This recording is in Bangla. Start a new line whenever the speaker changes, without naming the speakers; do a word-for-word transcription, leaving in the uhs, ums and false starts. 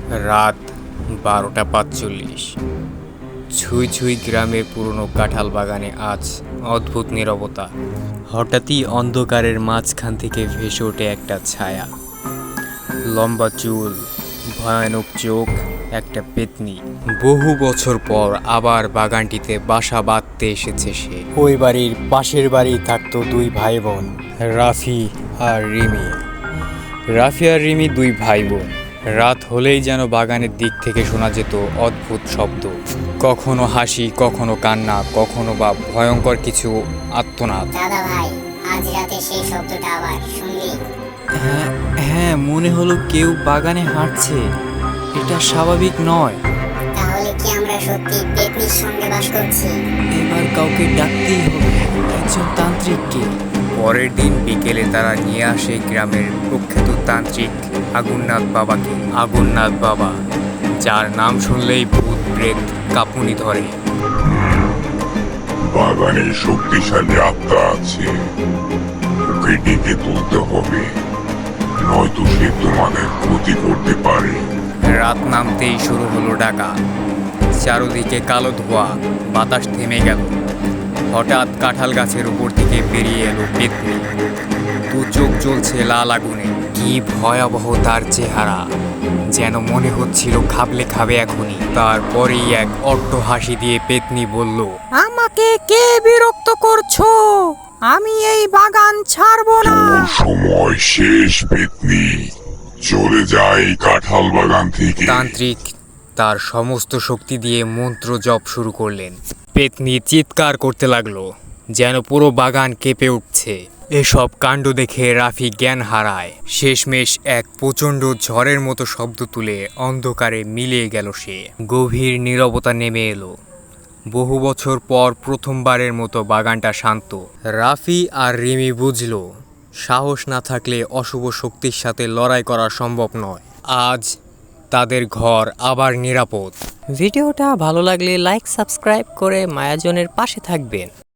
রাত বারোটা পাঁচচল্লিশ। ছুঁই ছুঁই গ্রামের পুরনো কাঁঠাল বাগানে আজ অদ্ভুত নীরবতা। হঠাৎই অন্ধকারের মাঝখান থেকে ভেসে ওঠে একটা ছায়া। লম্বা চুল, ভয়ানক চোখ, একটা পেতনি। বহু বছর পর আবার বাগানটিতে বাসা বাঁধতে এসেছে সে। ওই বাড়ির পাশের বাড়ি থাকতো দুই ভাই বোন, রাফি আর রিমি। রাফি আর রিমি দুই ভাই বোন। রাত হলেই যেন বাগানের দিক থেকে শোনা যেত অদ্ভুত শব্দ, কখনো হাসি, কখনো কান্না, কখনো বা ভয়ঙ্কর কিছু আর্তনাদ।
দাদা ভাই, আজ রাতে সেই শব্দটা আবার শুনলি?
হ্যাঁ হ্যাঁ, মনে হলো কেউ বাগানে হাঁটছে। এটা স্বাভাবিক নয়।
তাহলে কি আমরা সত্যি পেতনির সঙ্গে বাস করছি?
এবার কাউকে ডাকতেই হবে, একজন তান্ত্রিককে। পরের দিন বিকেলে তারা নিয়ে আসে গ্রামের প্রখ্যাত তান্ত্রিক আগুননাথ বাবাকে। আগুননাথ বাবা, যার নাম শুনলেই ভূত প্রেত কাঁপুনি ধরে।
বাগানে শক্তিশালী আত্মা আছে, ওকে ডেকে তুলতে হবে, নয়তো সে তোমাদের ক্ষতি করতে পারে।
রাত নামতেই শুরু হলো ডাকা। চারদিকে কালো ধোঁয়া, বাতাস থেমে গেল। হঠাৎ কাঁঠাল গাছের উপর থেকে বেরিয়ে এলো পেতনি। দু চোখ জ্বলছে লাল আগুনে। কি ভয়াবহ তার চেহারা, যেন মনে হচ্ছিল খাবলে খাবে এখনই। তারপরেই এক অট্ট হাসি দিয়ে পেতনি বলল,
আমাকে কে বিরক্ত করছো? আমি এই বাগান ছাড়বো না।
তোর সময় শেষ পেতনি, চলে যায় কাঁঠাল বাগান থেকে।
তান্ত্রিক তার সমস্ত শক্তি দিয়ে মন্ত্র জপ শুরু করলেন। পেতনি চিৎকার করতে লাগলো, যেন পুরো বাগান কেঁপে উঠছে। এসব কাণ্ড দেখে রাফি জ্ঞান হারায়। শেষমেশ এক প্রচণ্ড ঝড়ের মতো শব্দ তুলে অন্ধকারে মিলিয়ে গেল সে। গভীর নীরবতা নেমে এলো। বহু বছর পর প্রথমবারের মতো বাগানটা শান্ত। রাফি আর রিমি বুঝল, সাহস না থাকলে অশুভ শক্তির সাথে লড়াই করা সম্ভব নয়। আজ তাদের ঘর আবার নিরাপদ।
ভিডিওটা ভালো লাগলে লাইক সাবস্ক্রাইব করে মায়াজনের পাশে থাকবেন।